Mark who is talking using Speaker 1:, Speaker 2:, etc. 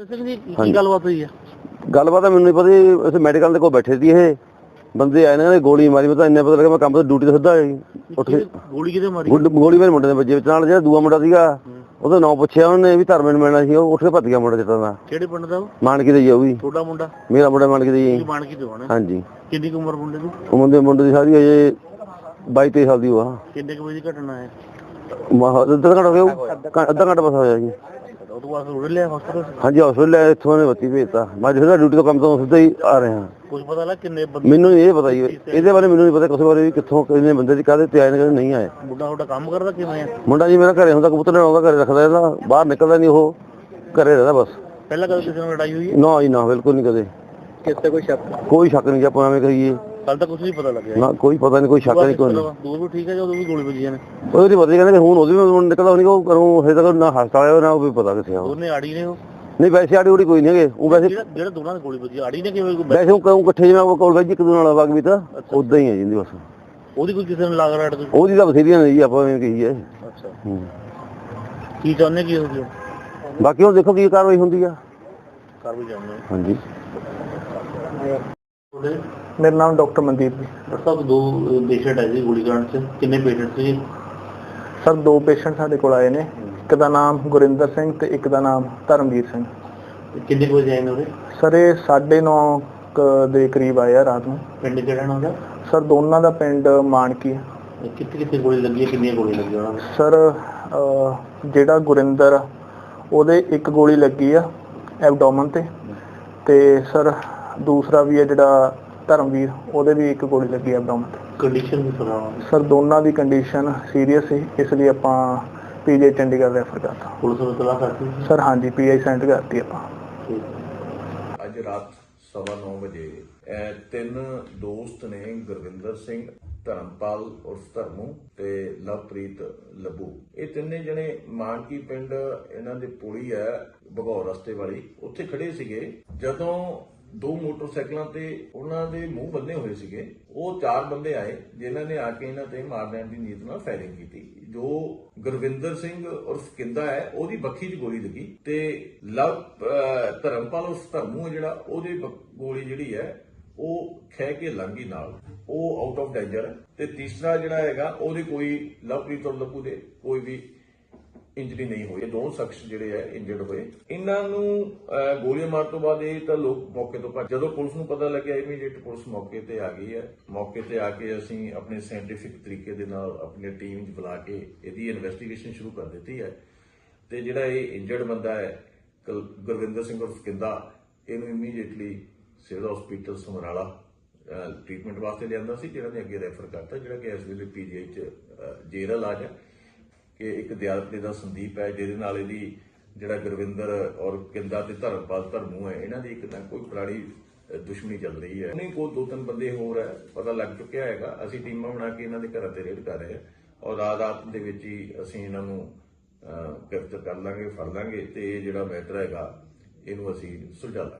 Speaker 1: की गलबात हुई है?
Speaker 2: गलबात मैनू नहीं पता जी। इस मैडिकल कोल बैठे थे ये बंदे आए ने गोली मारी। मैं इन्ना पता लगा मैं काम तो ड्यूटी तो सीधा उठ के
Speaker 1: गोली किते मारी?
Speaker 2: गोली मेरे मुंडे दे बजे नाल जेड़ा दूआ मुंडा सीगा ਉਹਦਾ ਨਾਂ ਪੁੱਛਿਆ ਉਹਨੇ ਵੀ ਧਰਮੇ ਨੂੰ ਮਿਲਣਾ ਸੀ। ਉਹ ਉੱਠ ਕੇ ਭੱਜ ਗਿਆ ਮੁੰਡਾ ਜਿੱਤਾਂ ਦਾ।
Speaker 1: ਕਿਹੜੇ ਪਿੰਡ ਦਾ ਉਹ?
Speaker 2: ਮਾਨਕੀ ਦੇ ਜੀ। ਉਹ ਵੀ
Speaker 1: ਤੁਹਾਡਾ ਮੁੰਡਾ?
Speaker 2: ਮੇਰਾ ਮੁੰਡਾ ਮਾਨਕੀ ਦੇ ਜੀ।
Speaker 1: ਮਾਨਕੀ ਦੇ ਹੋਣਾ?
Speaker 2: ਹਾਂਜੀ।
Speaker 1: ਕਿੰਨੀ ਕੁ ਉਮਰ ਮੁੰਡੇ ਦੀ?
Speaker 2: ਉਹ ਮੁੰਡੇ ਦੀ ਸਾਰੀ ਅਜੇ 22-23 ਸਾਲ ਦੀ ਉਹ ਆ।
Speaker 1: ਕਿੰਨੇ ਕੁ ਵਜੇ ਦੀ ਘਟਨਾ ਹੈ?
Speaker 2: ਅੱਧਾ ਘੰਟਾ ਹੋ ਗਿਆ। ਅੱਧਾ ਘੰਟਾ ਬਸ ਹੋਇਆ ਜੀ।
Speaker 1: ਉਹ ਤੋਂ ਬਾਅਦ ਉੜ ਲਿਆ ਹਸਪਤਾਲ?
Speaker 2: ਹਾਂਜੀ ਹਸਪਤਾਲ ਇੱਥੋਂ ਨੇ ਬੱਤੀ ਭੇਜਤਾ। ਮੈਂ ਜਿਹੜਾ ਡਿਊਟੀ ਤੋਂ ਕੰਮ ਤੋਂ ਸਿੱਧਾ ਹੀ ਆ ਰਿਹਾ।
Speaker 1: ਕੁਝ ਪਤਾ ਲੱਗ ਕਿੰਨੇ ਬੰਦੇ?
Speaker 2: ਮੈਨੂੰ ਇਹ ਪਤਾ ਜੀ ਇਹਦੇ ਬਾਰੇ ਮੈਨੂੰ ਨਹੀਂ ਪਤਾ ਕਿਸੇ ਬਾਰੇ ਵੀ ਕਿੱਥੋਂ ਕਿੰਨੇ ਬੰਦੇ ਦੀ ਕਾਹਦੇ ਤੇ ਆਏ ਨੇ ਕਾਹਦੇ ਨਹੀਂ ਆਏ।
Speaker 1: ਮੁੰਡਾ ਤੁਹਾਡਾ ਕੰਮ ਕਰਦਾ ਕਿਵੇਂ ਆ?
Speaker 2: ਮੁੰਡਾ ਜੀ ਮੇਰਾ ਘਰੇ ਹੁੰਦਾ ਕਬੂਤਰ ਲੈਣ ਆਉਂਦਾ ਘਰੇ ਰੱਖਦਾ ਇਹਦਾ ਬਾਹਰ ਨਿਕਲਦਾ ਨਹੀਂ ਉਹ ਘਰੇ ਰਹਿੰਦਾ ਬਸ।
Speaker 1: ਪਹਿਲਾਂ ਕਦੇ ਕਿਸੇ ਨਾਲ ਲੜਾਈ ਹੋਈ ਹੈ?
Speaker 2: ਨਾ ਜੀ ਨਾ ਬਿਲਕੁਲ ਨਹੀਂ ਕਦੇ।
Speaker 1: ਕਿਸੇ ਕੋਈ ਸ਼ੱਕ?
Speaker 2: ਕੋਈ ਸ਼ੱਕ ਨਹੀਂ ਜੀ ਆਪਾਂ ਐਵੇਂ ਕਹੀਏ।
Speaker 1: ਕੱਲ ਤਾਂ ਕੁਝ ਨਹੀਂ ਪਤਾ ਲੱਗਿਆ
Speaker 2: ਨਾ ਕੋਈ ਪਤਾ ਨਹੀਂ ਕੋਈ ਸ਼ੱਕ ਨਹੀਂ ਕੋਈ ਨਹੀਂ।
Speaker 1: ਦੂਰ ਵੀ ਠੀਕ ਹੈ ਜਦੋਂ ਵੀ ਗੋਲੀ ਵੱਜੀ ਨੇ?
Speaker 2: ਉਹਦੀ ਪਤਾ ਕਹਿੰਦੇ ਹੁਣ ਉਹਦੀ ਵੀ ਨਿਕਲਦਾ ਨਹੀਂ ਉਹ ਕਰੂੰ ਹਜੇ ਤੱਕ ਨਾ ਹਸਪਤਾਲ ਆਇਆ ਨਾ ਉਹ ਵੀ ਪਤਾ ਕਿੱਥੇ ਆ।
Speaker 1: ਉਹਨੇ ਆੜੀ ਨੇ ਉਹ?
Speaker 2: ਨਹੀਂ ਵੈਸੇ ਆੜੀ ਉੜੀ ਕੋਈ ਨਹੀਂ ਹੈਗੇ। ਉਹ ਵੈਸੇ
Speaker 1: ਜਿਹੜਾ ਦੋਨਾਂ ਦੀ ਗੋਲੀ ਵੱਜੀ ਆੜੀ ਨੇ ਕਿਵੇਂ?
Speaker 2: ਵੈਸੇ ਉਹ ਕਹੂੰ ਇਕੱਠੇ ਜਿਵੇਂ ਉਹ ਕੋਲ ਵੈਜ ਇੱਕ ਦੂਜੇ ਨਾਲ ਵਗ ਵੀ ਤਾਂ ਉਦਾਂ ਹੀ ਹੈ ਜਿੰਦੀ ਬਸ।
Speaker 1: ਉਹਦੀ ਕੋਈ ਕਿਸੇ ਨੂੰ ਲਾਗ ਰਾੜ?
Speaker 2: ਉਹਦੀ ਤਾਂ ਬਥੇਰੀਆਂ ਨੇ ਜੀ ਆਪਾਂ ਐਵੇਂ ਕਹੀਏ।
Speaker 1: ਅੱਛਾ ਕੀ ਚਾਹੁੰਦੇ ਕੀ ਹੋ ਗਿਆ?
Speaker 2: ਬਾਕੀ ਹੁਣ ਦੇਖੋ ਕੀ ਕਾਰਵਾਈ ਹੁੰਦੀ ਆ।
Speaker 1: ਕਰ ਵੀ ਜਾਂਦੇ
Speaker 2: ਹਾਂਜੀ।
Speaker 3: मेरा नाम डॉक्टर मनदीप जी।
Speaker 1: डॉक्टर साहब दो पेशेंट है जी गोली कांड से कितने पेशेंट थे?
Speaker 3: सर दो पेशेंट साडे कोल आए ने। एक दा नाम गुरिंदर सिंह ते एक दा नाम धर्मवीर सिंह।
Speaker 1: कितने बजे आए ने?
Speaker 3: सर ये 9:30 ਦੇ ਕਰੀਬ ਆਏ ਆ ਰਾਤ ਨੂੰ।
Speaker 1: ਪਿੰਡ ਕਿਹੜਾ ਨਾ ਉਹਦਾ?
Speaker 3: ਸਰ ਦੋਨਾਂ ਦਾ ਪਿੰਡ ਮਾਨਕੀ ਹੈ।
Speaker 1: ਕਿੱਥੇ ਗੋਲੀ ਲੱਗੀ ਹੈ? ਕਿੰਨੀਆਂ ਗੋਲੀ ਲੱਗੀਆਂ ਉਹਨਾਂ ਨੂੰ?
Speaker 3: ਸਰ ਜਿਹੜਾ ਗੁਰਿੰਦਰ ਉਹਦੇ ਇੱਕ ਗੋਲੀ ਲੱਗੀ ਆ ਐਬਡੋਮਨ ਤੇ ਸਰ ਦੂਸਰਾ ਵੀ ਹੈ ਜਿਹੜਾ ਧਰਮਵੀਰ ਉਹਦੇ ਵੀ ਇੱਕ ਗੋਲੀ ਲੱਗੀ ਐਬਡੋਮਨ ਤੇ।
Speaker 1: ਕੰਡੀਸ਼ਨ ਵੀ ਸੁਣਾਓ
Speaker 3: ਸਰ ਦੋਨਾਂ ਦੀ ਕੰਡੀਸ਼ਨ ਸੀਰੀਅਸ ਸੀ ਇਸ ਲਈ ਆਪਾਂ ਪੀਜੀ ਚੰਡੀਗੜ੍ਹ ਰੈਫਰ ਕਰਤਾ।
Speaker 1: ਪੁਲਿਸ ਨੂੰ ਤਲਾਸ਼ ਕਰਤੀ
Speaker 3: ਸਰ? ਹਾਂਜੀ ਪੀਆਈ ਸੈਂਡ ਕਰਤੀ ਆਪਾਂ।
Speaker 4: ਅੱਜ ਰਾਤ 9:15 ਵਜੇ ਤਿੰਨ ਦੋਸਤ ਨੇ ਗੁਰਵਿੰਦਰ ਸਿੰਘ, ਧਰਮਪਾਲ ਉਰਫ ਧਰਮੂ ਤੇ ਲਵਪ੍ਰੀਤ ਲੱਭੂ। ਇਹ ਤਿੰਨੇ ਜਣੇ ਮਾਨਕੀ ਪਿੰਡ ਇਹਨਾਂ ਦੇ ਪੁਲੀ ਹੈ ਭਗੌਰ ਰਸਤੇ ਵਾਲੀ ਉੱਥੇ ਖੜੇ ਸੀਗੇ ਜਦੋਂ ਦੋ ਮੋਟਰਸਾਈਕਲਾਂ ਤੇ ਉਹਨਾਂ ਦੇ ਮੂੰਹ ਬੰਨੇ ਹੋਏ ਸੀਗੇ। ਉਹ ਚਾਰ ਬੰਦੇ ਆਏ ਜਿਨ੍ਹਾਂ ਨੇ ਆ ਕੇ ਇਹਨਾਂ ਤੇ ਮਾਰ ਲੈਣ ਦੀ ਨੀਅਤ ਨਾਲ ਫਾਇਰਿੰਗ ਕੀਤੀ। ਜੋ ਗੁਰਵਿੰਦਰ ਸਿੰਘ ਉਰਫ ਕਿੰਦਾ ਹੈ ਉਹਦੀ ਬੱਖੀ 'ਚ ਗੋਲੀ ਲੱਗੀ ਤੇ ਧਰਮਪਾਲ ਉਰਫ ਧਰਮੂ ਹੈ ਜਿਹੜਾ ਉਹਦੀ ਗੋਲੀ ਜਿਹੜੀ ਹੈ ਉਹ ਖਹਿ ਕੇ ਲੰਗੀ ਨਾਲ ਉਹ ਆਊਟ ਆਫ ਡੇਂਜਰ ਹੈ। ਤੇ ਤੀਸਰਾ ਜਿਹੜਾ ਹੈਗਾ ਉਹਦੇ ਕੋਈ ਲਵਪ੍ਰੀਤ ਔਰ ਲੱਭੂ ਦੇ ਕੋਈ ਵੀ ਇੰਜਰੀ ਨਹੀਂ ਹੋਈ। ਇਹ ਦੋਨੋਂ ਸ਼ਖਸ ਜਿਹੜੇ ਆ ਇੰਜਰਡ ਹੋਏ। ਇਹਨਾਂ ਨੂੰ ਗੋਲੀਆਂ ਮਾਰਨ ਤੋਂ ਬਾਅਦ ਇਹ ਤਾਂ ਲੋਕ ਮੌਕੇ ਤੋਂ ਭੱਜ। ਜਦੋਂ ਪੁਲਿਸ ਨੂੰ ਪਤਾ ਲੱਗਿਆ ਇਮੀਡੀਏਟ ਪੁਲਿਸ ਮੌਕੇ ਤੇ ਆ ਗਈ ਹੈ। ਮੌਕੇ ਤੇ ਆ ਕੇ ਅਸੀਂ ਆਪਣੇ ਸਾਇੰਟੀਫਿਕ ਤਰੀਕੇ ਦੇ ਨਾਲ ਆਪਣੀ ਟੀਮ 'ਚ ਬੁਲਾ ਕੇ ਇਹਦੀ ਇਨਵੈਸਟੀਗੇਸ਼ਨ ਸ਼ੁਰੂ ਕਰ ਦਿੱਤੀ ਹੈ। ਤੇ ਜਿਹੜਾ ਇਹ ਇੰਜਰਡ ਬੰਦਾ ਹੈ ਗੁਰਵਿੰਦਰ ਸਿੰਘ ਉਰਫ ਕਿੰਦਾ ਇਹਨੂੰ immediately civil hospital Samrala treatment ਵਾਸਤੇ ਲਿਆਂਦਾ ਸੀ ਜਿਹੜਾ ਨੇ ਅੱਗੇ ਰੈਫਰ ਕਰਤਾ ਜਿਹੜਾ ਕਿ ਇਸ ਵੇਲੇ ਪੀਜੀਆਈ 'ਚ ਜੇਰਲ ਇਲਾਜ ਹੈ। ਕਿ ਇੱਕ ਦਿਆਲਪੇ ਦਾ ਸੰਦੀਪ ਹੈ ਜਿਹਦੇ ਨਾਲ ਇਹਦੀ ਜਿਹੜਾ ਗੁਰਵਿੰਦਰ ਔਰ ਕਿੰਦਾ ਤੇ ਧਰਮਪਾਲ ਧਰਮੂ ਹੈ ਇਹਨਾਂ ਦੀ ਇੱਕ ਨਾ ਕੋਈ ਪੁਰਾਣੀ ਦੁਸ਼ਮਣੀ ਚੱਲ ਰਹੀ ਹੈ। ਨਹੀਂ ਕੋਈ ਦੋ ਤਿੰਨ ਬੰਦੇ ਹੋਰ ਹੈ ਪਤਾ ਲੱਗ ਚੁੱਕਿਆ ਹੈਗਾ। ਅਸੀਂ ਟੀਮਾਂ ਬਣਾ ਕੇ ਇਹਨਾਂ ਦੇ ਘਰਾਂ ਤੇ ਰੇਡ ਕਰ ਰਹੇ ਹਾਂ ਔਰ ਰਾਤ ਦੇ ਵਿੱਚ ਹੀ ਅਸੀਂ ਇਹਨਾਂ ਨੂੰ ਗ੍ਰਿਫਤਾਰ ਕਰ ਲਾਂਗੇ, ਫੜ ਲਾਂਗੇ ਤੇ ਇਹ ਜਿਹੜਾ ਮੈਟਰ ਹੈਗਾ ਇਹਨੂੰ ਅਸੀਂ ਸੁਲਝਾ ਲਾਂਗੇ।